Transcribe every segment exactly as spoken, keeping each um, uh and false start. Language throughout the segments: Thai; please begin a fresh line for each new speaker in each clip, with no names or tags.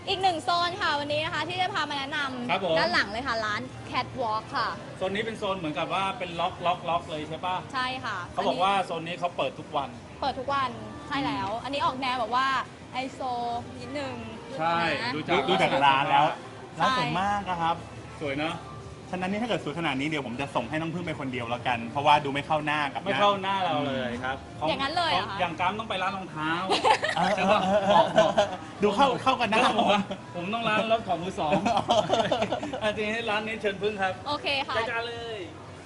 อีกหนึ่งโซนค่ะวันนี้นะคะที่จะพามาแนะนำด้านหลังเลยค่ะร้าน Catwalk ค่ะ
โซนนี้เป็นโซนเหมือนกับว่าเป็นล็อกล็อกล็อกเลยใช่ปะ
ใช่ค่ะ
เขาบอกว่าโซนนี้เขาเปิดทุกวัน
เปิดทุกวันใช่แล้วอันนี้ออกแนวแบบว่าไฮโซนิดนึง
ใช่
ดูจากดูจากร้านแล้วร้านสวยมากนะครับ
สวยเนาะ
ฉะนั้นนี่ถ้าเกิดสวยขนาดนี้เดี๋ยวผมจะส่งให้น้องพึ่งไปคนเดียวแล้วกัน เพราะว่าดูไม่เข้าหน้ากับ
ไม่เข้าหน้าเราเลยครับ
อย่างนั้นเลยอะ
อย่างกัมต้องไปร้านรองเท้า
ใช่ป่ะดูเข้าเข้ากันหน้าผม
ผมต้องร้านรถของมือสองอาจริงให้ร้านนี้เชิญพึ่งครับ
โอเคค่ะ
จัดการเลย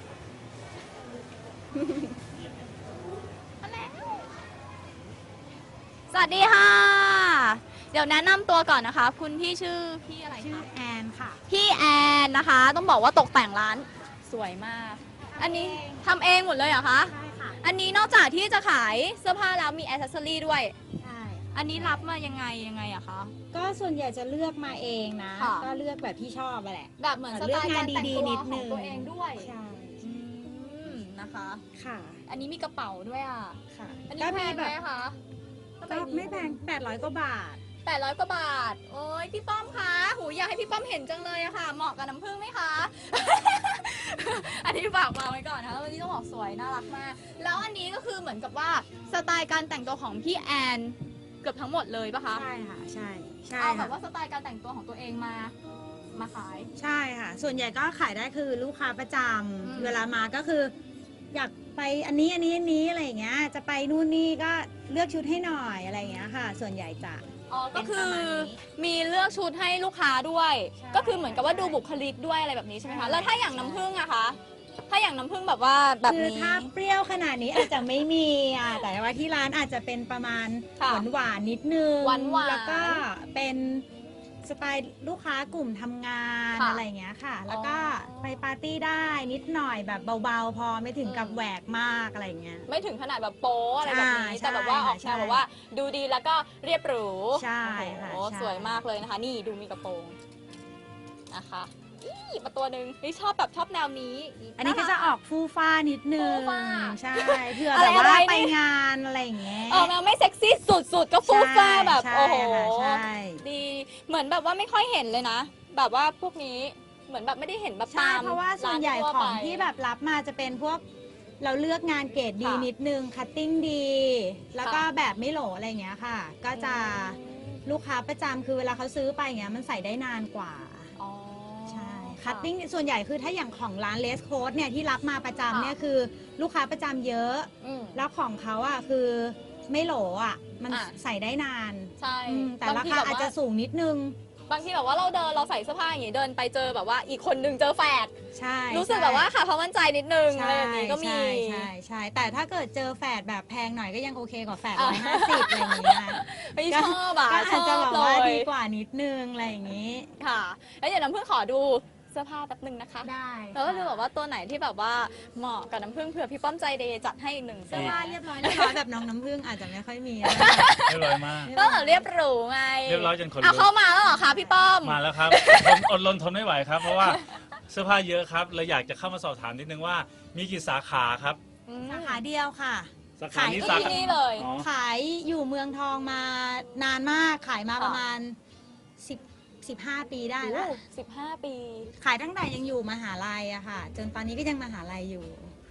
สวัสดีค่ะเดี๋ยวแนะนำตัวก่อนนะคะคุณพี่ชื่อพี่อะไรคะ
ชื่อแอนค่ะ
พี่แอนนะคะต้องบอกว่าตกแต่งร้านสวยมากอันนี้ทำเองหมดเลยเหรอคะ
ใช่ค่ะ
อันนี้นอกจากที่จะขายเสื้อผ้าแล้วมีแอ c เซสซอรี่ด้วย
ใช่
อันนี้รับมายังไงยังไงอะคะ
ก็ส่วนใหญ่จะเลือกมาเองนะก็เลือกแบบที่ชอบไปแหละ
แบบเหมือนสไตล์การแต่งตัวของตัวเองด้วย
ใช่
นะคะ
ค่ะ
อันนี้มีกระเป๋าด้วยอะ
ค่ะ
อันนี้แพงไหมคะ
ก็ไม่แพงแปดร้อยกว่าบาท
แปดร้อยกว่าบาทโอ้ยพี่ป้อมคะหูอยากให้พี่ป้อมเห็นจังเลยอะค่ะเหมาะกับน้ำผึ้งไหมคะ อันนี้ฝากวางไว้ก่อนนะคะวันนี้ต้องบอกสวยน่ารักมากแล้วอันนี้ก็คือเหมือนกับว่าสไตล์การแต่งตัวของพี่แอนเกือบทั้งหมดเลยปะคะ
ใช่ค่ะใช่ใช่
เอาแบบว่าสไตล์การแต่งตัวของตัวเองมามาขาย
ใช่ค่ะส่วนใหญ่ก็ขายได้คือลูกค้าประจำเวลามาก็คืออยากไปอันนี้อันนี้อันนี้อะไรอย่างเงี้ยจะไปนู่นนี่ก็เลือกชุดให้หน่อยอะไรอย่างเงี้ยค่ะส่วนใหญ่จะ
อ๋อก็คือมีเลือกชุดให้ลูกค้าด้วยก็คือเหมือนกับว่าดูบุคลิกด้วยอะไรแบบนี้ใช่ไหมคะแล้วถ้าอย่างน้ำผึ้งอะคะถ้าอย่างน้ำผึ้งแบบว่าแบบนี้
คือถ้าเปรี้ยวขนาดนี้อาจจะไม่มีอ่ะแต่ว่าที่ร้านอาจจะเป็นประมาณหวานหวานนิดนึง
หวานหวาน
แล้วก็เป็นสไตล์ลูกค้ากลุ่มทำงานอะไรอย่างเงี้ยค่ะแล้วก็ไปปาร์ตี้ได้นิดหน่อยแบบเบาๆพอไม่ถึงกับแหวกมากอะไรเงี้ย
ไม่ถึงขนาดแบบโป๊อะไรแบบนี้แต่แบบว่าออกแนวแบบว่าดูดีแล้วก็เรียบหรู
ใช่ค่ะ
โอ้สวยมากเลยนะคะนี่ดูมีกระโปรงนะคะอีประตัวหนึ่งนี่ชอบแบบชอบแนวนี้
อันนี้ก็จะออกฟูฟ้านิดนึงใช่เพื่อแบบว่าไปงานอะไรอย่างเงี้ย
ออกแนวไม่เซ็กซี่สุดๆก็ฟูฟ้าแบบโอ้โหดีเหมือนแบบว่าไม่ค่อยเห็นเลยนะแบบว่าพวกนี้เหมือนแบบไม่ได้เห็นแบบตาม
เพราะว่าส่วนใหญ่ของที่แบบรับมาจะเป็นพวกเราเลือกงานเกรดดีนิดนึงคัตติ้งดีแล้วก็แบบไม่โหลอะไรอย่างเงี้ยค่ะก็จะลูกค้าประจำคือเวลาเขาซื้อไปอย่างเงี้ยมันใส่ได้นานกว่าคัตติ้งส่วนใหญ่คือถ้าอย่างของร้านเลสโค้ดเนี่ยที่รับมาประจำเนี่ยคือลูกค้าประจำเยอะแล้วของเขาอ่ะคือไม่โหลอ่ะมันใส่ได้นาน
ใช่
แต่ราคาอาจจะสูงนิดนึง
บางทีแบบว่าเราเดินเราใส่เสื้อผ้าอย่างนี้เดินไปเจอแบบว่าอีกคนนึงเจอแฝด
ใช่
รู้สึกแบบว่าค่ะเพราะมั่นใจนิดนึงอะไรแบบนี้ก็มี
ใช่ใช่แต่ถ้าเกิดเจอแฝดแบบแพงหน่อยก็ยังโอเคกว่าแฝดร้อยห้าสิบอะไรอย่างเงี้ย
ไม่ชอบอ่ะ
ก็อาจจะแบบว่าดีกว่านิดนึงอะไรอย่างงี้
ค่ะแล้วอย่างน้ำผึ้งขอดูเสื้อผ้าแป๊บนึงนะคะ
ได้
แล้วก็ดูแบบว่าตัวไหนที่แบบว่าเหมาะกับน้ำผึ้งเผื่อพี่ป้อมใจเดย์จัดให้อีกหนึ่ง
เสื้อผ้าเรียบร้อยนะคะแบบน้องน้ำผึ้งอาจจะไม่ค่อยมี
เรียบร้อยมาก
ก็เรียบหรูไง
เรียบร้อยจนคน
เอาเข้ามาแล้วเหรอคะพี่ป้อม
มาแล้วครับอดรนทนไม่ไหวครับเพราะว่าเสื้อผ้าเยอะครับเลยอยากจะเข้ามาสอบถามนิดนึงว่ามีกี่สาขาครับ
สาขาเดียวค่ะ
ขาย
ที่นี่เลย
ขายอยู่เมืองทองมานานมากขายมาประมาณสิบสิบห้าปีได้แล้ว
สิบห้าปี
ขายตั้งแต่ยังอยู่มหาลัยอะค่ะจนตอนนี้ก็ยังมหาลัยอยู่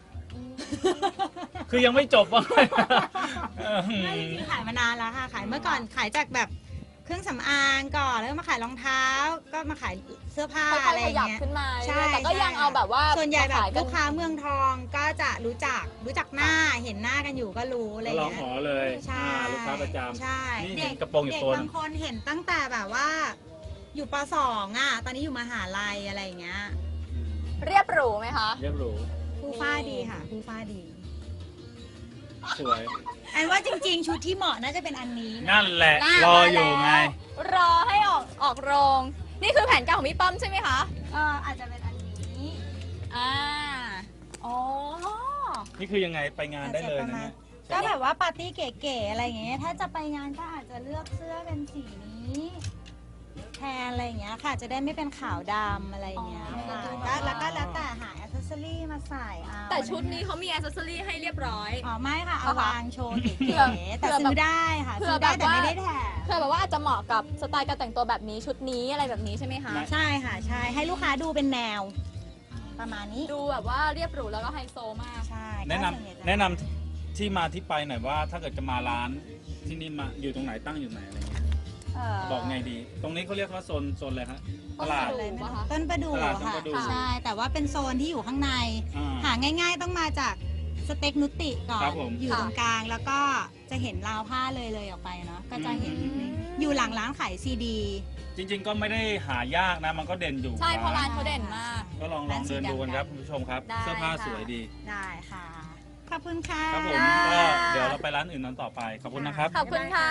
คือยังไม่จบว่า
ไม่จริงขายมานานแล้วค่ะขายเมื่อก่อนขายจากแบบเครื่องสำอางก่อนแล้วมาขายรองเท้าก็มาขายเสื้อผ้าอะไรอย่างเงี้ย
ขึ้นมาใช่แต่ก็ยังเอาแบบว่า
ส่วนใหญ่แบบลูกค้าเมืองทองก็จะรู้จักรู้จักหน้าเห็นหน้ากันอยู่ก็รู้อะไรอย่าง
เงี้ยร้องหอเลย
ใช่
ลูกค้าประจำ
ใช่
เด็กกระโปรงอยู่ตัว
บางคนเห็นตั้งแต่แบบว่าอยู่ป.สองอ่ะตอนนี้อยู่มหาลัยอะไรอย่างเงี้ย
เรียบหรูไหมคะ
เรียบหรู
ผู้ฟ้าดีค่ะผู้ฟ้าดี
สวย
แอนว่าจริงๆชุดที่เหมาะน่าจะเป็นอันนี้
นั่นแหละรออยู่ไง
รอให้ออกออกโรงนี่คือแผนการของพี่ป้อมใช่ไหมคะ
เอออาจจะเป็นอันนี้
อ่าอ๋อ
นี่คือยังไงไปงานได้เลยนะเนี่ย
ก็แบบว่าปาร์ตี้เก๋ๆอะไรอย่างเงี้ยถ้าจะไปงานก็อาจจะเลือกเสื้อเป็นสีนี้แทนอะไรอย่างเงี้ยค่ะ จะได้ไม่เป็นขาวดำอะไรอย่างเงี้ย
อ๋อ
ค่ะก็แล้วก็แล้วแต่หาแอ c เซสซอรี่มาใส่เอา
แต่ชุดนี้เขามีอ c เซสซอรี่ให้เรียบร้อย
อ๋อไม่ค่ะ เอา
เอาค่ะ
วางโชว์เก๋
เผื่อ
ๆแต่
เผื่อ
ซื้อได้ค่ะ
เผื่
ซื้
อ
อได้
แบบ
แต่ไม่
ว่า
ได้แถม
เพื่อแบบว่าอาจจะเหมาะกับสไตล์การแต่งตัวแบบนี้ชุดนี้อะไรแบบนี้ใช่ไหมคะ
ใช่ค่ะใช่ให้ลูกค้าดูเป็นแนว ประมาณนี้
ดูแบบว่าเรียบหรูแล้วก็ไฮโซมาก
ใช่
แนะนำ
ก็ส่วใหญ่จ
แนะนำที่มาที่ไปหน่อยว่าถ้าเกิดจะมาร้านที่นี่มาอยู่ตรงไหนตั้งอยู่ไหนอะไรเงี้ย
เ
บอกไงดี ตรงนี้เขาเรียกว่าโซนโซนอะไรฮะตลาด
ต้นประดู่
อะไรไม่รู้
ปะคะ
ต้นประดู่
ตลาดต้น
ค่ะ
ประดู่
ใช่แต่ว่าเป็นโซนที่อยู่ข้างใน
อ่า
หาง่าย ๆ ต้องมาจากสเต็กนุติก่อ
ครั
น
บผม
อยู่
ค่ะ
ตรงกลางแล้วก็จะเห็นราวผ้าเลยเลยออกไปเนาะก็จะเห็น
อืม
อยู่หลังร้านขายซีดี
จริง ๆ ก็ไม่ได้หายากนะ มันก็เด่นอยู่
ใช่เพราะร้านเขาเด่นมาก
ก็ลองลองเดินดูกันครับคุณผู้ชมครับ
ได้
เสื้อผ้า
ค่ะ
สวยดี
ได้ค่ะ ขอบคุณค่ะ
ครับผม
ได้
ก็เดี๋ยวเราไปร้านอื่นนั้นต่อไป ขอบคุณนะครับ
ขอบคุณค่ะ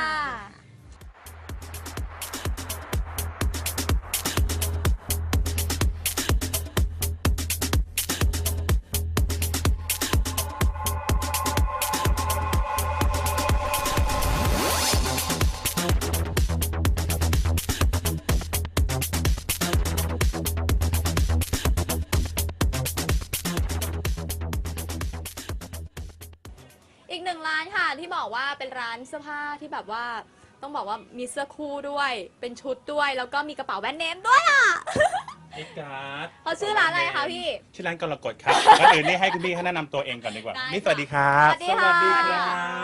อีกหนึ่งร้านค่ะที่บอกว่าเป็นร้านเสื้อผ้าที่แบบว่าต้องบอกว่ามีเสื้อคู่ด้วย เป็นชุดด้วย แล้วก็มีกระเป๋าแบรนด์เนมด้วยอ่ะ
เอ็กการ์ด
เขาชื่อร้านอะไรคะพี่
ชื่อร้านกรกฎครับ ก่อนอื่นนี่ให้คุณพี่เขาแนะนำตัวเองก่อนดีกว่า
ได้
นี่
ค่ะ
สวัสดีครับ
สวัสดีค่ะ
สวัสดีครับ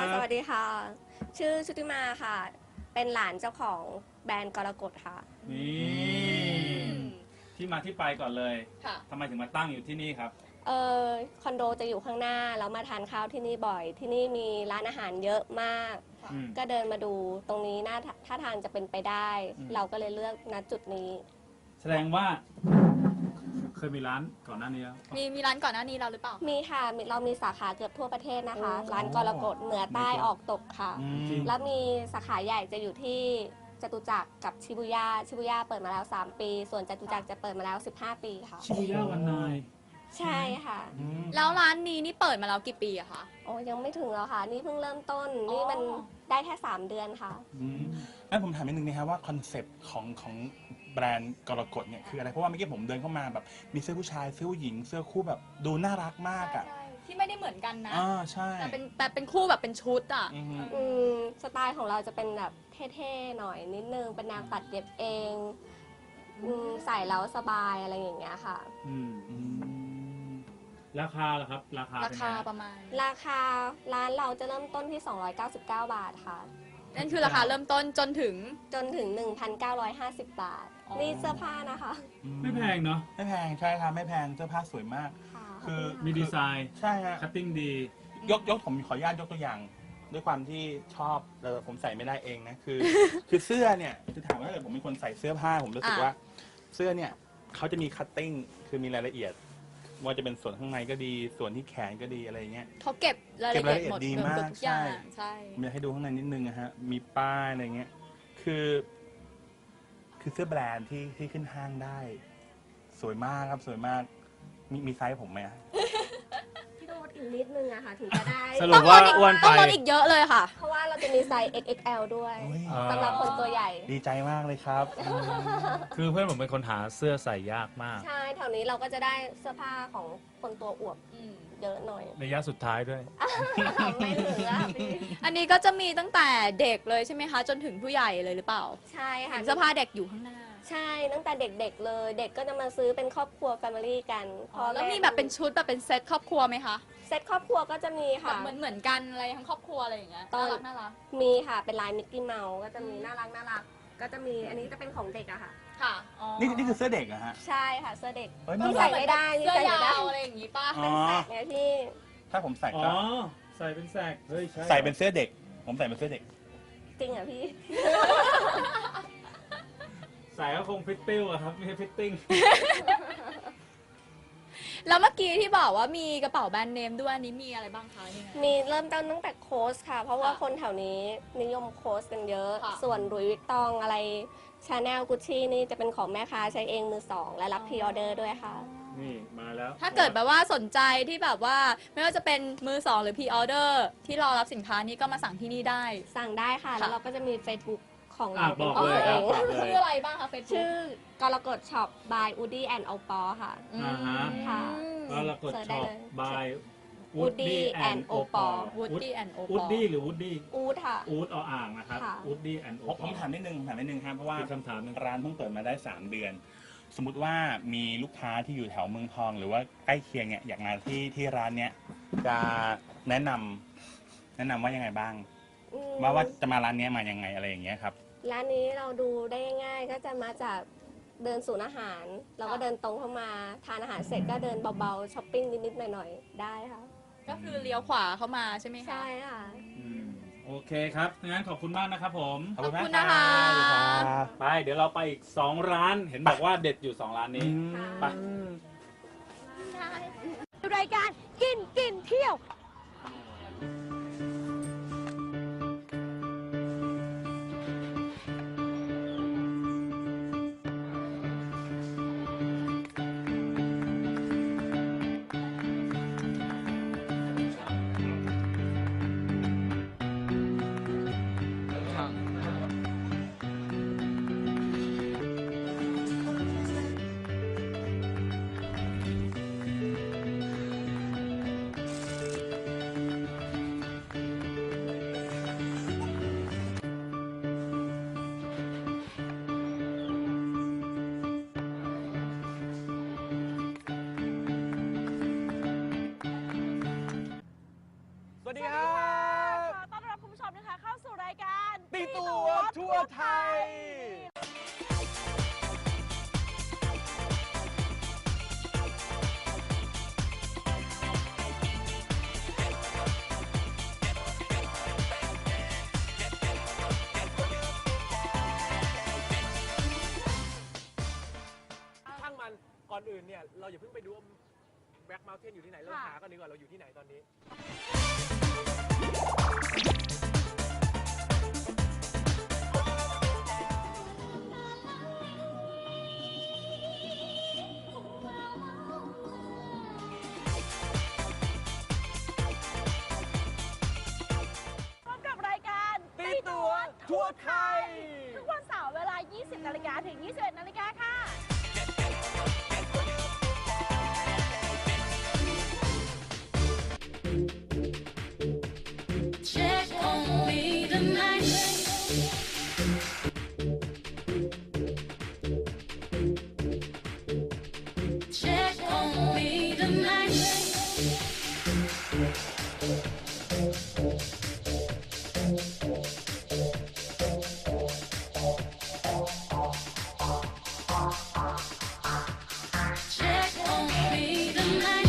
สวัสดีค่ะ ชื่อชุติมาค่ะ เป็นหลานเจ้าของแบรนด์กรกฎค่ะ
นี่ที่มาที่ไปก่อนเลย
ค่ะ
ทำไมถึงมาตั้งอยู่ที่นี่ครับ
เออคอนโดจะอยู่ข้างหน้า แล้วมาทานข้าวที่นี่บ่อย ที่นี่มีร้านอาหารเยอะมาก
อืม
ก็เดินมาดูตรงนี้น่าท่าทางจะเป็นไปได้
อืม
เราก็เลยเลือกณจุดนี้
แสดงว่า เคยมีร้านก่อนหน้านี้แล้ว
มีมีร้านก่อนหน้านี้เราหรือเปล่า
มีค่ะมีเรามีสาขาเกือบทั่วประเทศนะคะ
โอ้
ร้านกรกฎเหนือใต้ออกตกค่ะ
อืม
แล้วมีสาขาใหญ่จะอยู่ที่จตุจักรกับชิบุย่าชิบุย่าเปิดมาแล้ว สาม ปี ส่วนจตุจักรจะเปิดมาแล้ว สิบห้า ปีค่ะ
ชิบุย่าวันนาย
ใช่ค่ะ
อืม
แล้วร้านนี้นี่เปิดมาแล้วกี่ปีอะคะ
โอ้ยังไม่ถึงแล้วค่ะ นี่เพิ่งเริ่มต้น นี่มัน
อ๋อ
ได้แค่ สาม เดือนค่ะ
อืมงั้นผมถามนิดนึงนะครับว่าคอนเซปต์ของของแบรนด์กรกฎเนี่ยคืออะไร เพราะว่าเมื่อกี้ผมเดินเข้ามาแบบมีเสื้อผู้ชายเสื้อผู้หญิงเสื้อคู่แบบดูน่ารักมากอ่ะ
ใช่ที่ไม่ได้เหมือนกันนะ
อ่าใช่
แต่เป็นแต่เป็นคู่แบบเป็นชุดอ่ะ
อือฮึ
อืมสไตล์ของเราจะเป็นแบบเท่ๆหน่อยนิดนึง เป็นแนวตัดเย็บเองอืมใส่แล้วสบายอะไรอย่างเงี้ยค่ะ
อืม
อืม
ราคาล่ะครับ ราคา
รา
เป็น
คา
ไง
ประมาณ
ราคาร้านเราจะเริ่มต้นที่ สองร้อยเก้าสิบเก้า บาทค่ะ
นั่นคือราคาเริ่มต้นจนถึง
จนถึง หนึ่งพันเก้าร้อยห้าสิบ บาท
อ๋อ
นี่เสื้อผ้านะคะ
ไม่แพงเนาะ
ไม่แพงใช่ครับไม่แพงเสื้อผ้าสวยมาก
ค่ะ
คือ
มีดีไซน์
ใช่ฮะ
คัตติ้งดี
ยกยกผมขออนุญาตยกตัวอย่าง ด้วยความที่ชอบเออผมใส่ไม่ได้เองนะคือ คือเสื้อเนี่ยคือถามว่าถ้าเกิดผมเป็นคนใส่เสื้อผ้าผมรู้สึก
อ่ะ
ว่าเสื้อเนี่ยเขาจะมีคัตติ้งคือมีรายละเอียดว่าจะเป็นส่วนข้างในก็ดี ส่วนที่แขนก็ดีอะไรอย่างเงี้ย
เขาเก็บรายละเอียดหมด
เก็บรายละเอียดดี
เกือบ
มาก
ทุกอย่าง
ใช่
ใช่
ผมอยากให้ดูข้างในนิดนึงนะฮะมีป้ายอะไรเงี้ยคือ คือเสื้อแบรนด์ที่ที่ขึ้นห้างได้ สวยมากครับสวยมากมีมีไซส์ผมไหมอะ
พี่โดดอีกนิดนึงอะค่ะ ถึงจะได้
สรุปว่าอ้วนไป
ต้องลดอีกเยอะเลยค่ะ
เพราะว่าเราจะมีไซส์ เอ็กซ์ เอ็กซ์ แอล ด้วย
โอ้ย
อ่า
สำหรับคนตัวใหญ่
ดีใจมากเลยครับอืม
คือเพื่อนผมเป็นคนหาเสื้อใส่ยากมาก
ใช่แถวนี้เราก็จะได้เสื้อผ้าของคนตัวอวบ
อืม
เยอะหน่อย
ระยะสุดท้ายด้วย
ไม่เหลือพี่
อันนี้ก็จะมีตั้งแต่เด็กเลยใช่ไหมคะ จนถึงผู้ใหญ่เลยหรือเปล่า
ใช่ค่ะ
เห็นเสื้อผ้าเด็กอยู่ข้างหน้า
ใช่ตั้งแต่เด็กๆเลย เด็กก็จะมาซื้อเป็นครอบครัว แฟมิลี่กัน
อ๋อแล้วมีแบบเป็นชุดแบบเป็นเซตครอบครัวไหมคะ
เซตครอบครัวก็จะมี
แบ
ค่ะ
บเหมือนเหมือนกันอะไรทั้งครอบครัวอะไรอย่างเงี้ย
ตอ
น่าน รักน่ารัก
มีค่ะเป็นลายมิกกี้เมาส์ก็จะมีน่ารักน่ารักก็จะมีอันนี้จะเป็นของเด็กอะค่ะ
ค่ะอ๋อ
นี่นี่คือเสื้อเด็กเหรอะฮะ
ใช่ค่ะเสื้อเด็ก
เฮ้ย
นี่
น่ารั
ใส่
ก
ไม่ได้นี่
เสื้อ
ใส่ไม่
ยา
ได้
วอะไรอย่างงี้ป่ะ
อ๋อ
เป็นแสกเนี่ยพี่
ถ้าผมใส่
อ๋อ
ก็
ใส่เป็นแสก เฮ้ย ใช่
ใส่เป็นเสื้อเด็ก ผมใส่เป็นเสื้อเด็ก
จริงเหรอพี่
ใส่ก็คงฟิตติ้วอะครับ ไม่ใช่ฟิตติ้ง
แล้วเมื่อกี้ที่บอกว่ามีกระเป๋าแบรนด์เนมด้วยอันนี้มีอะไรบ้างคะยังไง
มีเริ่มต้นตั้งแต่โค้ชค่ะ เพราะว่า
ค่ะ
คนแถวนี้นิยมโค้ชกันเยอะ
ค่ะ
ส่วนรุยวิกตองอะไรชาแนลกุชชี่นี่จะเป็นของแม่ค้าใช้เองมือสอง และรับพรีออเดอร์ด้วยค่ะ
นี่มาแล้ว
ถ้าเกิดแบบว่าสนใจที่แบบว่าไม่ว่าจะเป็นมือสองหรือพรีออเดอร์ที่รอรับสินค้านี้ก็มาสั่งที่นี่ได้
สั่งได้ค่ะ
ค่ะ
แล้วเราก็จะมี Facebook ของ
อ่ะ
เรา
บอกเลยครับ
ข
บ
อ
อง ก
ตัว
เล
เอย ง
ชื่ออะไรบ้างคะเฟซบุ๊ก
ชื่อกรกฎช็อป by Woody and Opal ค่ะ
อ่าฮะ
ค่ะ
ก็เรากด
เสิร์ชได้
ช็อป
เลย
by
Woody and Opal
Woody and
อู
Opal
ดดี้หรือวูดดี้
อูดค่ะ
อูดออ่างนะครับ
ค่ะ
อูดดี้แอนด์โอ
ผมผมถามนิดนึงผมถามนิดนึงครับเพราะว่า
มีคำถามหนึง
ร้านเพิ่งเปิดมาได้สามเดือน สมมุติว่ามีลูกค้าที่อยู่แถวเมืองทอง หรือว่าใกล้เคียงเนี่ยอยากมาที่ที่ร้านเนี้ยจะแนะนำแนะนำว่ายังไงบ้าง
อืม
ว่าว่าจะมาร้านเนี้ยมายังไงอะไรอย่างเงี้ยครับ
ร้านนี้เราดูได้ง่ายๆ ก็จะมาจากเดินศูนย์อาหาร เราก็เดินตรงเข้ามาทานอาหารเสร็จก็เดินเบาๆช้อปปิ้งนิดๆหน่อยๆได้ค่ะ
ก็คือเลี้ยวขวาเข้ามาใช่ไหมคะ
ใช่ค่ะ
อืมโอเคครับงั้นขอบคุณมากนะครับผม
ขอบคุณมาก
ขอบคุณนะคะ
รับ
ไปเดี๋ยวเราไปอีกสองร้าน เห็นบอกว่าเด็ดอยู่สองร้านนี้ ไป
รายการกินกินเที่ยว
สวัสดีครับ
ขอต้อนรับคุณผู้ชมนะคะเข้าสู่รายการ
ตีตัวทั่วไทย ช่างมันก่อนอื่นเนี่ย เราอย่าเพิ่งไปดูแบ็คเมลเทนอยู่ที่ไหน เราหากันดีกว่าเราอยู่ที่ไหนตอนนี้
พบกับรายการ
ตีตัวทั่วไทย
ทุกวันเสาร์เวลา ยี่สิบ นาฬิกาถึง ยี่สิบเอ็ด นาฬิกาค่ะ
Check on me tonight. Check on me tonight. Check on me tonight.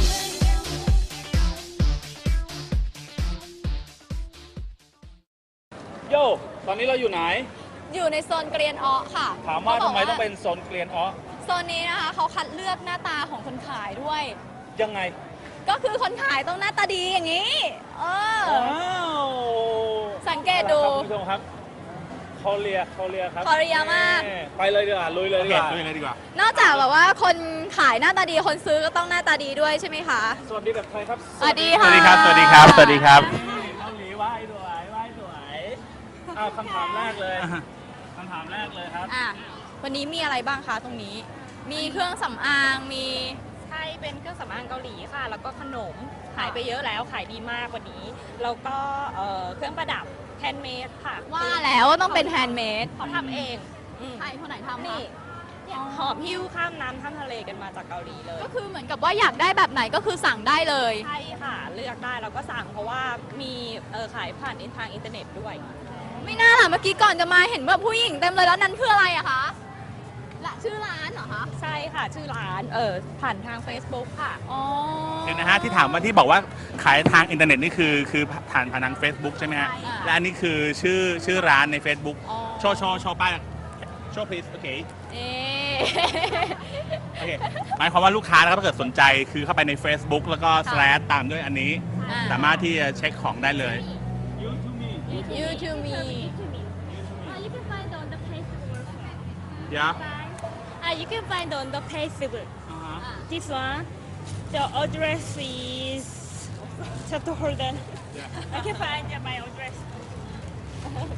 โยตอนนี้เราอยู่ไหน
อยู่ในโซนเกรียนอ้อค่ะ
ถามว่า
เขบ
ทำ
ก
ไมต้องเป็นโซนเกลียนอ้อ
โซนนี้นะคะเขาคัดเลือกหน้าตาของคนขายด้วย
ยังไง
ก็คือคนขายต้องหน้าตาดีอย่างนี้ เออ
ว้าว
สังเกตดู
ครับคุณผู้ชมครับเขาเรียเขาเรียครับ
เขาเรียมาก
แม่ไปเลยดีกว่าลุยเลย
โอ
ดี
เค
กว่า
ดูเลยดีกว่า
นอกจากแบบว่าคนขายหน้าตาดีคนซื้อก็ต้องหน้าตาดีด้วยใช่ไหมคะ
สวัสดีแบบไทยครับ
สวัสดี
ส
ค่ะ
วัสดีครับ สวัสดีครับ สวัสดีครับ
เกาหลีไหว้สวยไหว้สวยอ้าวคำถามแรกเลยคำถามแรกเลยครับ
อ่ะวันนี้มีอะไรบ้างคะตรงนี้ มีเครื่องสำอางมี
ใช่เป็นเครื่องสำอางเกาหลีค่ะ แล้วก็ขนมขายไปเยอะแล้วขายดีมากกว่านี้ แล้วก็เอ่อเครื่องประดับแฮนด์เมดค่ะ
ว่าแล้วว่าต้องเป็นแฮนด์เมด
เขาทำเองอืม
ใครคนไหนทำ
นี่
คะ
เนี่ยหอบหิ้วข้ามน้ำข้ามทะเลกันมาจากเกาหลีเลย
ก็คือเหมือนกับว่าอยากได้แบบไหนก็คือสั่งได้เลย
ใช่ค่ะ เลือกได้เราก็สั่งเพราะว่ามีเออขายผ่านทางอินเทอร์เน็ตด้วย
ไม่น่าล่ะเมื่อกี้ก่อนจะมาเห็นแบบผู้หญิงเต็มเลยแล้วนั้นคืออะไรอะคะละชื่อร้านเหรอคะ
ใช่ค่ะ ชื่อร้านเออผ่านทาง Facebook ค่ะ
อ๋อ
เดี๋ยวนะฮะที่ถามว่าที่บอกว่าขายทางอินเทอร์เน็ตนี่คือคือผ่านผ่านทาง Facebook ใช่ไหมฮะ
ใช่ค่ะ
และอันนี้คือชื่อชื่อร้านใน Facebook
อ๋อ
โชว์โชว์โชว์ป้ายโชว์ please โอเค
เอ๊ะ
โอเคหมายความว่าลูกค้านะครับถ้าเกิดสนใจคือเข้าไปใน Facebook แล้วก็ slash ตามด้วยอันนี้
อ่า
สามารถที่จะเช็คของได้เลย
ยูทูมี
You to me
you can find on the Facebook
yeah
uh, you can find on the Facebook this one the address is just hold on I can find my address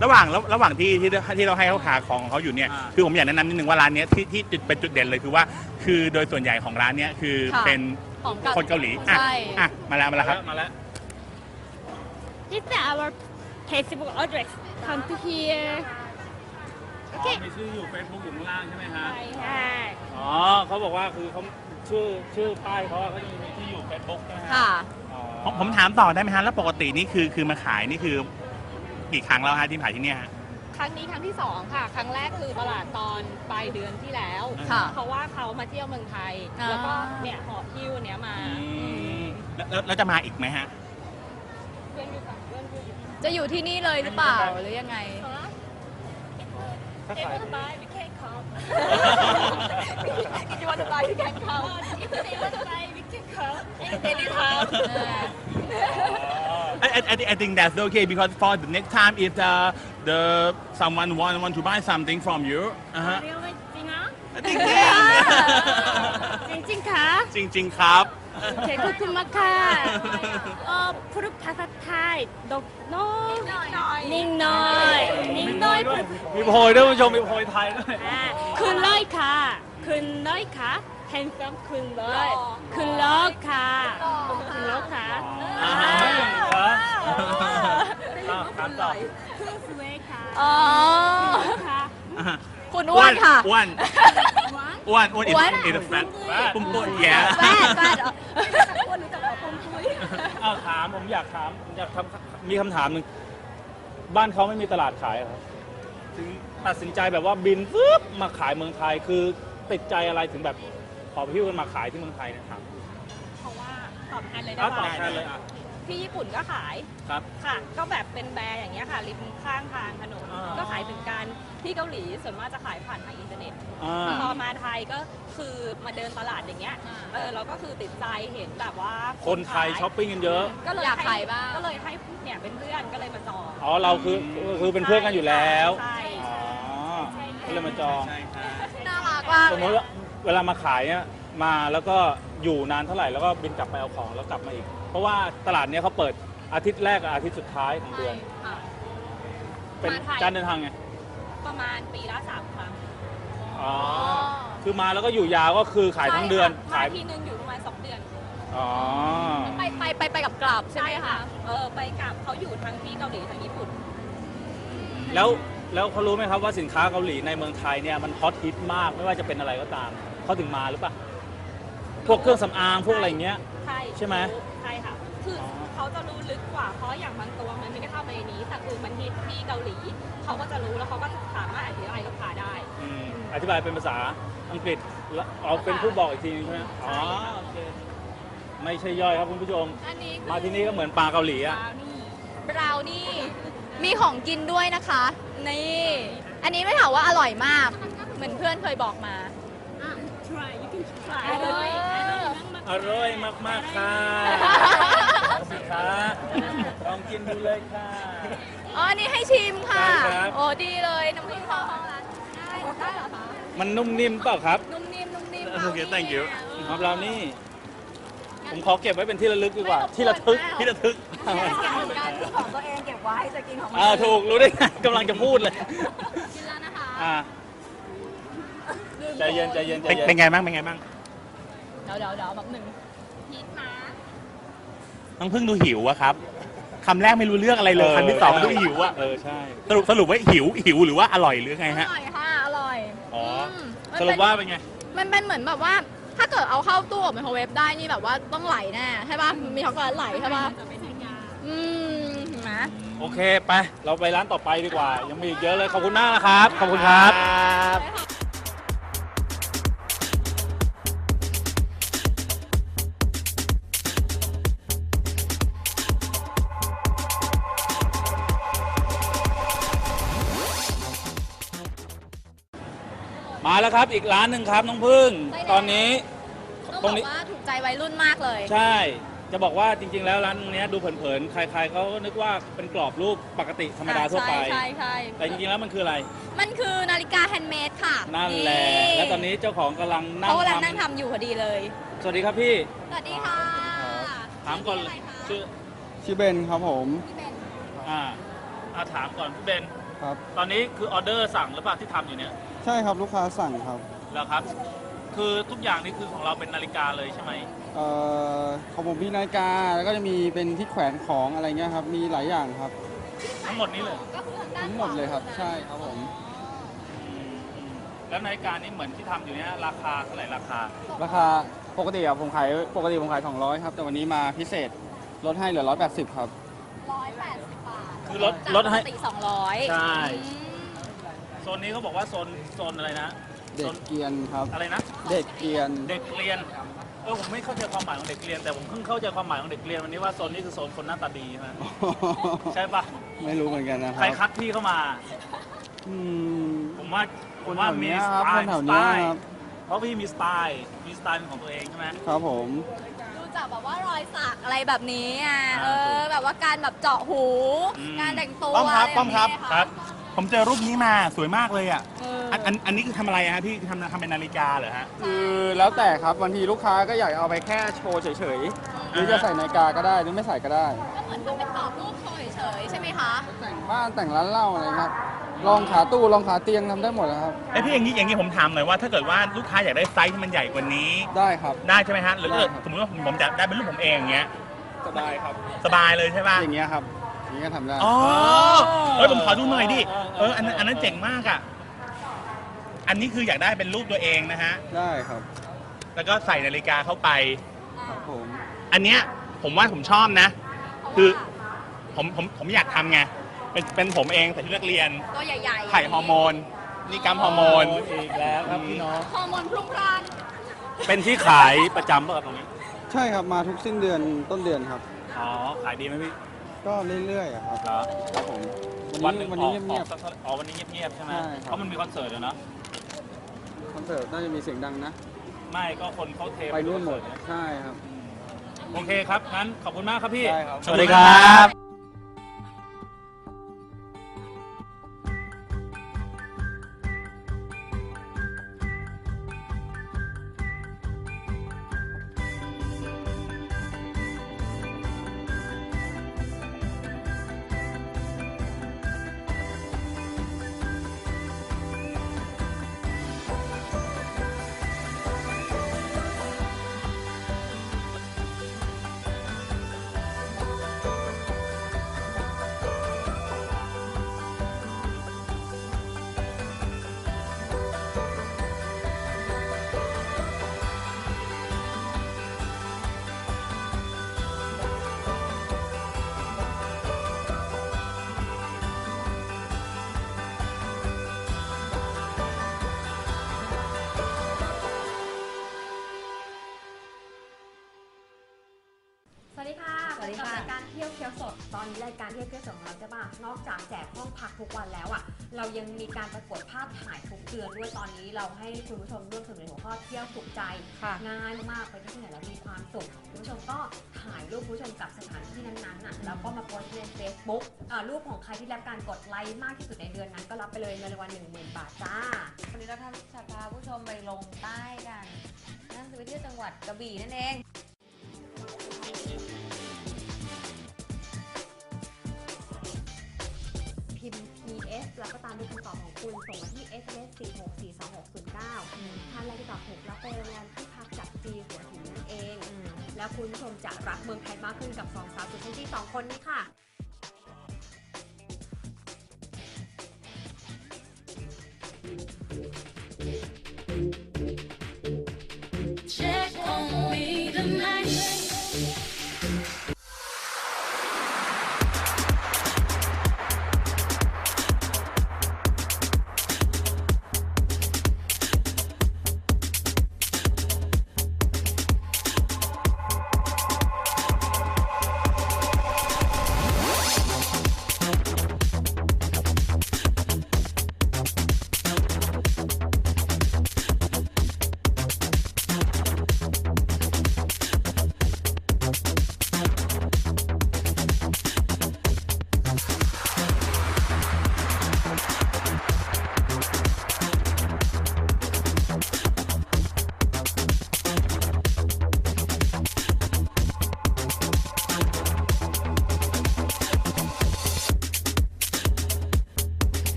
ระหว่างระระหว่างที่ที่ที่เราให้เขาหาของของเขาอยู่เนี่ย
อ่า
คือผมอยากแนะนำนิดนึงว่าร้านเนี้ยที่ที่จุดเป็นจุดเด่นเลยคือว่า คือโดยส่วนใหญ่ของร้านเนี้ยคือ
ค่ะ
เป็น
ของเกา
คนเกาหลีอ่ะ
ใช่
อ่ะมาแล้วมาแล้วครับ
มาแล้ว
This is our Facebook address come to here
โอเคมีชื่ออยู่ Facebook อยู่ข้างล่างใช่ไหมฮะ
ใช่ค่ะ
อ๋อเขาบอกว่าคือเขาชื่อชื่อป้ายเขาอะเขาจะมีที่อยู่ Facebook ใช่ไหมฮะ
ค่ะ
อ๋อ
ผมผมถามต่อได้ไหมฮะแล้วปกตินี่คือคือมาขายนี่คือกี่ครั้งแล้วฮะที่ขายที่เนี่ยฮะ
ครั้งนี้ครั้งที่สองค่ะ ครั้งแรกคือตลาดตอนปลายเดือนที่แล้ว
ค่ะ
เพราะว่าเขามาเที่ยวเมืองไทย
อ่า
แล้วก็เนี่ยหอบหิ้วเนี้ยมา
แล้วแล้วแล้วจะมาอีกไหมฮะ
เพื่อนอยู่ฝั่งเพื่อนอยู่
จะอยู่ที่นี่เลยหรือเปล่าหรือยังไง
ถ้า
เอ็
ขาย
มบายไม่แค่เขา You want to buy you can come If they want to buy we can come anytime
I, I, I thi- I think that's okay because for the next time if the the someone want want to buy something from you อ่าฮะ
เรียกว่าจริงเหรอ
จริง
จริงจริงๆค่ะ
จริงจริง ๆ ครับ
โอเคขอบคุณมากค่ะเอ่อพูดภาษาไทยดกน้อยนิ่งน้อยนิ่งน้อย
ด้วยมีโพยด้วยคุณผู้ชมมีโพยไทยด้วย
อ่าคุณร้อยค่ะคุณร้อยค่ะ handsome คุณร้อยคุณร้อยค่ะคุณร้อยค่ะ
อ่าเหรออ่ะถามต่อ
คุณสวยค่ะ
อ๋อ
ค่ะ
คุณอ้วนค่ะ
อ้วนอ้วนอ้วน
อ้วน
อินอินแฟตปุ้มปุ้มแย่
แฟดแฟดเหรอ
อ้าวถามผมอยากถามผมอยากทำมีคำถามหนึ่งบ้านเขาไม่มีตลาดขายเหรอครับถึงตัดสินใจแบบว่าบินปึ๊บมาขายเมืองไทยคือติดใจอะไรถึงแบบขอพิ้วกันมาขายที่เมืองไทยเนะครับ
เพราะว่าตอบแทนเลย
อ้า
ได้
วตอบ
ไหม
แทนเลยอ่ะ
ที่ญี่ปุ่นก็ขาย
ครับ
ค่ะ ก็แบบเป็นแบร์อย่างเงี้ยค่ะ ริมข้างทางถนน
อ่า
ก็ขายถึงกันที่เกาหลีส่วนมากจะขายผ่านทางอินเทอร์เน็ต
อ่า
พอมาไทยก็คือมาเดินตลาดอย่างเงี้ย เออเราก็คือติดใจเห็นแบบว่า
คนไทยช้อปปิ้งกันเยอะ
ก็เลย
อยาก
ให้
ขายบ้าง
ก็เลยให้เนี่ยเป็นเพื่อนก็เลยมาจอง
อ๋อเราคือคือเป็นเพื่อนกันอยู่แล้ว
ใช่
อ๋อก็เลยมาจอง
น่ารักมาก
สมมติว่าเวลามาขายเนี่ยมาแล้วก็อยู่นานเท่าไหร่แล้วก็บินกลับไปเอาของแล้วกลับมาอีก เพราะว่าตลาดเนี้ยเขาเปิดอาทิตย์แรกกับอาทิตย์สุดท้ายของเดือน
ค่ะ
เป็น
มาไทย
การเดินทางไง
ประมาณปีละสามครั้ง
อ๋อ คือมาแล้วก็อยู่ยาวก็คือขายทั้งเดือน
ใช่
ขาย
ค่ะมาทีนึงอยู่ประมาณสองเดือน
อ๋อ
ไปไปไปไปกับกลับใช่ไหมคะ
เออไปกับเขาอยู่ทั้งที่เกาหลีทั้งญี่ปุ่น
แล้วแล้วเขารู้ไหมครับว่าสินค้าเกาหลีในเมืองไทยเนี่ยมันฮอตฮิตมากไม่ว่าจะเป็นอะไรก็ตามเขาถึงมาหรือเปล่าพวกเครื่องสำอางพวกอะไรอย่างเงี้ย
ใช่
ใช่ไหม
ใช่ค่ะ คืออ
อ
เขาจะรู้ลึกกว่า เพราะอย่างบางตัวมันไม่ได้เข้ามาในนี้ แต่คือมันฮิตที่เกาหลี เขาก็จะรู้แล้วเขาก็สามารถอธิบายลูกค้าได้
อืมอธิบายเป็นภาษาอังกฤษแล้วเอาเป็นผู้บอกอีกทีนึงใช่ไหมอ๋อโอเคไม่ใช่ย่อยครับคุณผู้ชม
อันนี้คือ
มาที่นี่ก็เหมือนปลาเกาหลีอะ
บราวนี่มีของกินด้วยนะคะ นี่ อันนี้ไม่ถามว่าอร่อยมาก เหมือนเพื่อนเคยบอกมา
try you can try
อร่อย
อร่อยมากๆค่ะสิคะลองกินดูเลยค่ะ
อ๋อ อันนี้ให้ชิมค่ะ
ได้ครับ
โอ้ดีเลยน้ำพริกข้าวของร้านได้ได้เหรอคะ
มันนุ่มนิ่มเปล่าครับ
นุ่มนิ่มนุ่มนิ่ม
โอเค thank you
ครับเรานี่ ผมขอเก็บไว้เป็นที่ระลึกดีกว่า ที่ระทึกที่ระทึก
การของตัวเองเก็บไว้จะกินของมัน
อ่าถูกรู้ได้ไงกำลังจะพูดเลย
กินแล้วนะคะ
อ่าใจเย็นใจเย็นใจ
เป็น
เย็น
เป็นไงบ้างเป็นไงบ้าง
เดี๋ยวเดี๋ยวเดี๋ยวแบบหนึ่ง
น้องเพิ่งดูหิวอะครับคำแรกไม่รู้เรื่องอะไรเลยคำที่สองดูหิวอะ
เออใช่
สรุปสรุปว่าหิวหิวหรือว่าอร่อยหรือไง
อ
ฮะ
ร่อยค่ะ อร่อย
อ๋อ
มมัน
ส
เป็น
รุปว่าเป็นไง
มันเป็นเหมือนแบบว่า ถ้าเกิดเอาเข้าตู้อบไมโครเวฟได้นี่แบบว่าต้องไหลแน่ใช่ป่ะ มีช็อกโกแลตไหลใช่ป่ะอืมเห็นไหม
โอเคไปเราไปร้านต่อไปดีกว่า ยังมีอีกเยอะเลยขอบคุณมากนะครับขอบคุณครับ มาแล้วครับอีกร้านหนึ่งครับน้องพึ่ง ตอนนี้
ต้อง
ต
บ
ร
อง ก
นี้
ว่าถูกใจวัยรุ่นมากเลย
ใช่ จะบอกว่าจริง ๆ แล้วร้านตรงเนี้ยดูเผินๆ ใครๆเขาก็นึกว่าเป็นกรอบรูปปกติธรรมดาทั่วไป
ใช่ใช่ใช่
แต่จริงๆ แล้วมันคืออะไร
มันคือนาฬิกาแฮนด์เมดค่ะ
นั่นแหละ และตอนนี้เจ้าของกำลังนั่ง
เขากำลัง
ท
นั่งทำอยู่พอดีเลย
ำสวัสดีครับพี่
สวัสดีค่ะ
ถามก่อน
ชื่ะไรคะ
ชื่อ
ชื่อเบนครับผม
พี่เบน
อ่าอ่าถามก่อนพี่เบน
ครับ
ตอนนี้คือออเดอร์สั่งหรือเปล่าที่ทำอยู่เนี่ย
ใช่ครับลูกค้าสั่งครับ
แล้วครับ คือทุกอย่างนี่คือของเราเป็นนาฬิกาเลยใช่ไหม
เอ่อของผมมีนาฬิกาแล้วก็จะมีเป็นที่แขวนของอะไรเงี้ยครับมีหลายอย่างครับ
ทั้งหมดนี้เลย
ก็คือทางด้าน
ทั้งหมดเลยครับ
ขวา
ใช่ครับผม
แล้วนาฬิกานี่เหมือนที่ทำอยู่เนี่ยราคาเท่าไหร่ราคา
ราคาปกติอะผมขายปกติผมขายสองร้อยครับแต่วันนี้มาพิเศษลดให้เหลือหนึ่งร้อยแปดสิบครับ
ร้อยแปดสิบบาท
คือลด
จาก
ลดให้
ปกติสองร้อย
ใช่
อืม
โซนนี้เขาบอกว่าโซนโซนอะไรนะ
เด็กเกรียนครับ
อะไรนะ
เด็กเกรียน
เด็กเรียน เออผมไม่เข้าใจความหมายของเด็กเรียน แต่ผมเพิ่งเข้าใจความหมายของเด็กเรียนวันนี้ว่าโซนนี้คือโซนคนหน้าตาดีใช่ไหมใช่ปะ
ไม่รู้เหมือนกันนะค
ใคร
รับ
คัดพี่เข้ามา
อืม
ผมว่าผ
ค
ม
น
ว่า
แถว
มี
เนี้ย
ส
ครับ
ไต
คน
ล์
แถ
ส
ว
ไต
เนี้ย
ล์
ครับ
เพราะพี่มีสไตล์มีสไตล์เป็นของตัวเองใช่ไหม
ครับผม
ดูจากแบบว่ารอยสักอะไรแบบนี้อ่ะ
อ่า
เออ แบบว่าการแบบเจาะหู
อืม
การแต่งตัว
ป้อมครับ
ะไ
ป้อมครับ
แนี้
ครับ
ผมเจอรูปนี้มาสวยมากเลยอ่ะ
เออ
อันอันอันนี้คือทำอะไรอะฮะพี่ทำทำเป็นนาฬิกาเหรอฮะ
คือแล้วแต่ครับบางทีลูกค้าก็อยากเอาไปแค่โชว์เฉยๆหรือจะใส่นาฬิกาก็ได้หรือไม่ใส่ก็ได้
ก็เหมือนกับเป็นกรอบรูปโชว์เฉยๆใช่ไหมคะ
แต่งบ้านแต่งร้านเหล้าอะไรครับลองขาตู้ลองขาเตียงทำได้หมดแล้วครับ
ไอยพี่อย่างนี้อย่างนี้ผมถามหน่อยว่าถ้าเกิดว่าลูกค้าอยากได้ไซส์ที่มันใหญ่กว่านี้
ได้ครับ
ได้ใช่ไหมฮะหรือถ้าเกิด
ได้ครับ
สมมติว่าผมผมจะได้เป็นรูปผมเองอย่างเงี้ย
สบายครับ
สบายเลยใช่ป่ะ
อย่างเงี้ยครับอย่างเงี้ยทำได้
อ๋อเฮ้ยผมขอดูหน่อยดิเอออันนั้นอันนั้นเจ๋งมากอ่ะอันนี้คืออยากได้เป็นรูปตัวเองนะฮะ
ได้ครับ
แล้วก็ใส่นาฬิกาเข้าไป
ครับผม
อันเนี้ยผมว่าผมชอบนะ คือผมผมผมอยากทำไงเป็นเป็นผมเองใส่ชุดนักเรียน
ตัวใหญ่ๆ
ไข่ฮอร์โมนนี่กัมฮอร์โมน
อีกแล้วครับพี่น้อง
ฮอร์โมนพรุ่งพล่าน
เป็นที่ขายประจำป่ะครับตรงนี้
ใช่ครับมาทุกสิ้นเดือนต้นเดือนครับ
อ๋อ ขายดีไหมพี่
ก็เรื่อยๆอะครับ
เหรอ
ครับผม
วั
วัน น
หนึ่
นี้
ง
วัน
อ
นี้
อก
เงียบ
ออกสักเท่าอ๋อวันนี้เงียบๆใช่ไหม
ใช่ครับ
เพราะมันมีคอนเสิร์ตอะเนาะ
ๆคอนเสิร์ตน่าจะมีเสียงดังนะ
ไม่ก็คนเขาเท
ไปนู่นหมด
คอเสิร์ต
ใช่ครับ
โอเคครับ งั้นขอบคุณมากครับพี่
ได้ครับ
สวัสดีครับ
สวัสดีค่ะ
สวัสดีค่ะ
กับรายการเที่ยวเคี้ยวสด ตอนนี้รายการเที่ยวเคี้ยวสดของเราใช่ปะนอกจากแจกห้องพักทุกวันแล้วอ่ะ เรายังมีการประกวดภาพถ่ายทุกเดือนด้วย ตอนนี้เราให้คุณผู้ชมร่วมสนุกในหัวข้อเที่ยวถูกใจ
ค่ะ
ง่ายมากๆไปที่ไหนแล้วมีความสุข คุณผู้ชมก็ถ่ายรูปคุณผู้ชมกับสถานที่นั้นๆน่ะ แล้วก็มาโพสต์ใน Facebook อ่ารูปของใครที่รับการกดไลค์มากที่สุดในเดือนนั้นก็รับไปเลยเงินรางวัลหนึ่งหมื่นบาทจ้า
วันนี้เราทำจะพาผู้ชมไปลงใต้กัน นั่นคือไปเที่ยวจังหวัดกระบี่นั่นเอง
พิมพ์ พี เอส แล้วก็ตามด้วยคำตอบของคุณส่งมาที่ เอส เอ็ม เอส สี่ หก สี่ สอง หก ศูนย์ เก้า ท่านแรกที่ตอบถูกรับไปโรงแรมที่พักจากจีหัวหินนั่นเอง แล้วคุณผู้ชมจะรักเมืองไทยมากขึ้นกับสองสาวสุดเซ็กซี่สองคนนี้ค่ะ
Check on me tonight.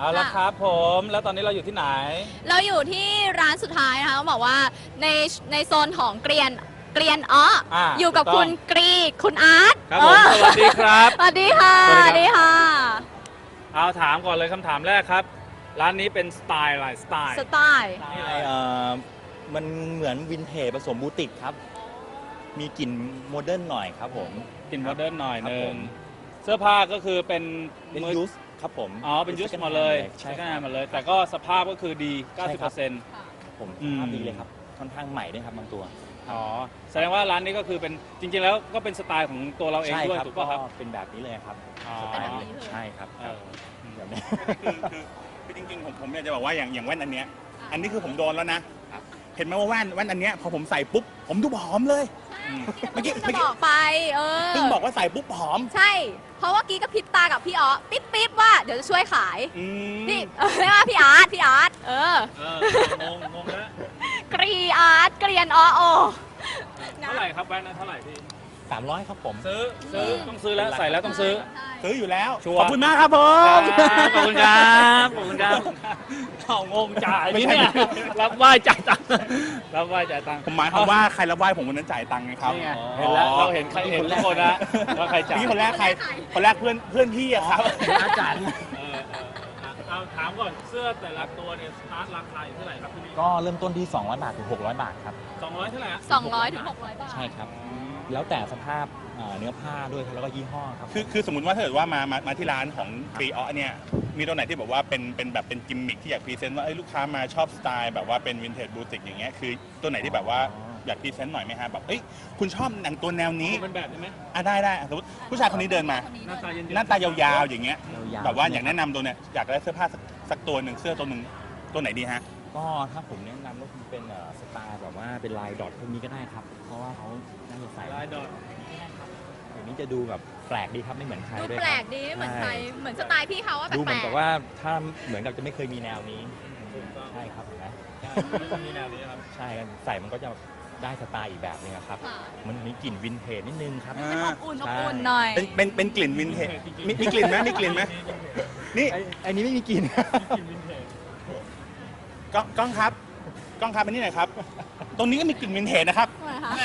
เอาละครับผมแล้วตอนนี้เราอยู่ที่ไหน
เราอยู่ที่ร้านสุดท้ายนะคะเขาบอกว่าในในโซนของเกรียนเกรียนอ้ออา อยู่กับ
ถูกต้อง
คุณกรีคุณอาร์ต
ครับผม
เออ
สวัสดีครับ
สวัสดีค่ะ
ส
ส
วั
วั
ส
ส
ดี
ดี
ครั
ค่ะ
เอาถามก่อนเลยคำถามแรกครับ ร้านนี้เป็นสไตล์อะไรสไตล์
สไตล์
นี่อะไรเอ่อมันเหมือนวินเทจผสมบูติกครับ มีกลิ่นโมเดิร์นหน่อยครับผม
กลิ่นโมเดิร์นหน่อย
ครับ
นึ
ผ
ง
ม
เสื้อผ้าก็คือเป็น
เป็น
มือ
ยูสครับผม
อ๋อเป็นยูสหมดเลย
ใช่
ใช่
ครับ
หมดเลย แต่ก็สภาพก็คือดี
ใช่ครับ
เก้าสิบเปอร์เซ็นต์
ผม
อืม
ภาพดีเลยครับ ค่อนข้างใหม่ด้วยครับบางตัว
อ๋อแสดงว่าร้านนี้ก็คือเป็นจริงๆแล้วก็เป็นสไตล์ของตัวเราเอง
ใช่
ด้วย
ครับ
ถูก
ก็
ป่ะครับ
เป็นแบบนี้เลยครับ
อ๋อ
สไตล์นี้ใช่ครับ
เออ
แบบนี้
คือคือคือจริงๆผมผมอยากจะบอกว่าอย่างอย่างแว่นอันเนี้ยอันนี้คือผมโดนแล้วนะ เห็นไหมว่าแว่นแว่นอันเนี้ยพอผมใส่ปุ๊บผมดูผอมเลย เมื่อกี้
จะบอกไป เออ
เพิ่งบอกว่าใส่ปุ๊บผอม
ใช่ เพราะว่ากี้ก็พริบตากับพี่อ๋อปิ๊บปิ๊บว่าเดี๋ยวจะช่วยขาย
อืม
พี่เออไม่ว่าพี่อาร์ตพี่อาร์ตเออ
เอองงงงแล้ว
กรีอาร์ตเกรียนอ้อโอ
เท่าไหร่ครับแว่นนั้นเท่าไหร่พี่
สามร้อยครับผม
ซื้อซื้อต้องซื้อแล้วใส่แล้วต้องซื้อ
ซื้ออยู่แล้ว
ชัวร์
ขอบคุณมากครับผ
ครั
ม
บขอบคุณครับขอบคุณครับเอางงจ่าย
ไม่
นี่
ใช่
เนี่ยรับไหว้จ่ายตังค์รับไหว้จ่ายตังค์
ผมหมายความว่าใครรับไหว้ผมคนนั้นจ่ายตังค์ไงครับ
นี่ไงเห็นแล้วเราเห็นใครเห็นทุกคนนะว่าใครจ่าย
พี่คนแรกใคร คนแรกเพื่อนเพื่อนพี่อะครับ
อาจารย์เออเออเอาถามก่อนเสื้อแต่ละตัวเนี่ยสตาร์ทราคาอยู่เท่าไหร่ครับพี่นี่
ก็เริ่มต้นที่ สองร้อย บาทถึง หกร้อย บาทครับ
สองร้อยเท่าไหร่ฮะ
สองร้อยถึงหกร้อยบาท
ใช่ครับ แล้วแต่สภาพเอ่อเนื้อผ้าด้วยครับแล้วก็ยี่ห้อครับ
คือคือสมมติว่าถ้าเกิดว่ามามามาที่ร้านของฟรีออเนี่ยมีตัวไหนที่แบบว่าเป็นเป็นแบบเป็นกิมมิคที่อยากพรีเซนต์ว่าเอ้ยลูกค้ามาชอบสไตล์แบบว่าเป็นวินเทจบูติกอย่างเงี้ยคือตัวไหนที่แบบว่าอยากพรีเซนต์หน่อยไหมฮะแบบเอ้ยคุณชอบหนังตัวแนวนี้
เป็นแบบได้ไหม
อ่ะได้ได้สมมติผู้ชายคนนี้เดินมา
หน้าตาเย็นๆ
หน้าตายาวๆอย่างเงี้ย
ยาวๆ
แบบว่า
ใช่ไหม
อยากแนะนำตัวเนี่ยอยากได้เสื้อผ้าสักสักตัวหนึ่งเสื้อตัวหนึ่งตัวไหนดีฮะ
ก็ถ้าผมแนะนำก็คงเป็นเอ่อสไตล์แบบว่าเป็นลายดอทพวกนี้ก็ได้ครับ เพราะว่าเขาน่าจะใส่
ลายดอท
อย่างนี้จะดูแบบแปลกดีครับไม่เหมือนใคร
ดู
ด้วย
แปล
ค
ก
รับ
ดีไม่เหมือนใคร เหมือนสไตล์พี่เขาว่า
ดูเห
แป
มื
ล
อน
ก
กับว่าถ้าเหมือนกับจะไม่เคยมีแนวนี้ ใช่ครับเห็นไหม
มีแนวนี้ครับ
ใช่ครับใส่มันก็จะได้สไตล์อีกแบบหนึงอะครับ
ค่ะ
มันมีกลิ่นวินเทจนิดนึงครับ
อ่า
อบอุ่นอบอุ่นหน่อย
เป็นเป็นเป็นกลิ่นวินเทจมีมีกลิ่นไหมมีกลิ่นไหมนี่
ไอ้ไอ้นี้ไม่มีกลิ่น
กินวินเทจ
กล้องกล้องครับกล้องครับอันนี้หน่อยครับ ตรงนี้ก็มีกลิ่นวินเทจนะครับ
ทำไมคะ
แหม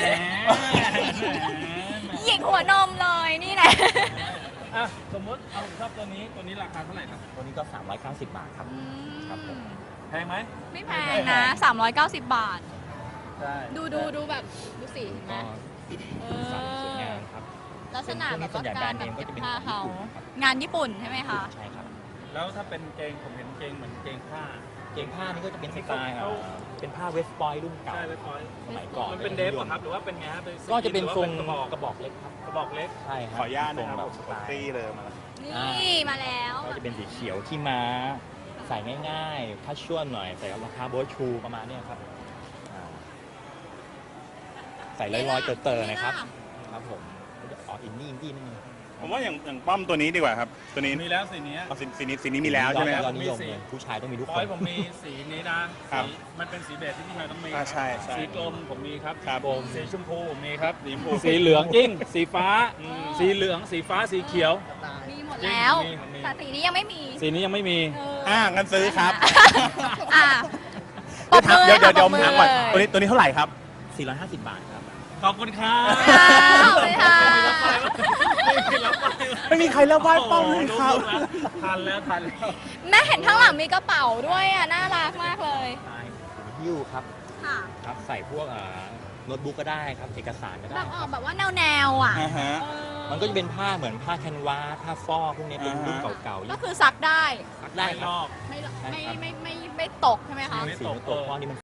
หยิกหัวนมเลยนี่แหละ
อ่ะสมมติเอาผมชอบตัวนี้ตัวนี้ราคาเท่าไหร่ครับ
ตัวนี้ก็ สามร้อยเก้าสิบบาทครับ ครับผม
แพงไหม
ไม่แพงนะ สามร้อยเก้าสิบบาท
ใช่
ดูดูดูแบบดูสิเห็นไหม
ก็
เอ
ใส่สวยงาม
อ
ครับ
ลักษณะแบบ
ส่วนใหญ่
ว่า
แบร
การ
นด์
แบ
เน
บ
มก็
เก็บ
จะเป็น
ผ้า
ของ
เขา
ญี่ปุ่นครับ
งานญี่ปุ่นใช่ไหมคะ
ใช่ครับ
แล้วถ้าเป็นเกงผมเห็นเกงเหมือนเกงผ้า
เกงผ้านี่ก็จะเป็นสไตล์
เขา
เอ่อเป็นผ้าเวสต์ปอยรุ่นเก่า
ใช่เลยพอย
สมัยก่อน
มันเป็นเดฟเหรอครับหรือว่าเป็นไงฮะเป็นส
ก็จะเป็นทรง
หอว่ากระบอก
กระบอกเล็กครับ
กระบอกเล็ก
ใช่ครับ
ขออนุญาต
ทร
นะ
ง
ครับ
แบบสไตล์
ตี้เลยมา
นี่มาแล้ว
ก็จะเป็นสีเขียวที่ม้าใส่ง่ายๆคัชชวลหน่อยใส่กับรองเท้าโบ๊ทชูประมาณเนี้ยครับอ่าใส่ลอยๆเตอๆนะครับ ครับผมก็จะออกอินดี้อินดี้นิดนึง
ผมว่าอย่างอย่างป้อมตัวนี้ดีกว่าครับ ตัวนี้
มีแล้วสีนี้
เอาสีสีนี้สีนี้มีแล้วใช่ไหม
ย
ค
อ
รับ
ดนิยมเลยผู้ชายต้องมีทุก
พ
ค
อย
น
ผมมีสีนี้นะครับ สีมันเป็นสีเบจที่พี่ชายต้องมี
อ่าใช่ใช่
สีกลมผมมีครับ
ครับ
ผมสีชมพูผมมีครับสีชมพูสีเหลืองจริงสีฟ้า สีเหลืองสีฟ้าสีเขียว
มีหมดแล้ว
มีมี
แต่สีนี้ยังไม่มี
สีนี้ยังไม่มี
เออ
อ่างั้นซื้อครับ
อ่ะ
เดี๋ยวเดี๋ยวเดี๋ยว
ปรบ
ถามก่อนตัวนี้ตัวนี้เท่าไหร่ครับ
สี่ร้อยห้าสิบบาทครับ
ขอบคุณครับ
ขอบคุณค่ะ
ไม่มีใครรับไหว้ป้อมเลยครับ
ทันแล้วทันแล้ว
แม่เห็นข้างหลังมีกระเป๋าด้วยอ่ะ น่ารักมากเลย
ใช่หิ้วครับ
ค่ะ
ครับใส่พวกเอ่อโน้ตบุ๊กก็ได้ครับ เอกสารก็
แบ
ได้
บอ
ค
อ
รั
ก
บ
แบบว่าแนวแนวๆอ่ะ
อ่าฮะ
เออ
มันก็จะเป็นผ้าเหมือนผ้าแคนวาสผ้าฟอกพวกนี้เป็นรุ่นเก่าๆ
ก็คือซักได้
ซักได้
ไม่
ค
ล
รับ
อก
ไม่
ใช่
ไม่
ครับ
ไม่ไม่ไม่ไม่ตกใช่ไหมคะ
สีโน้ตตัวฟอกนี่มัน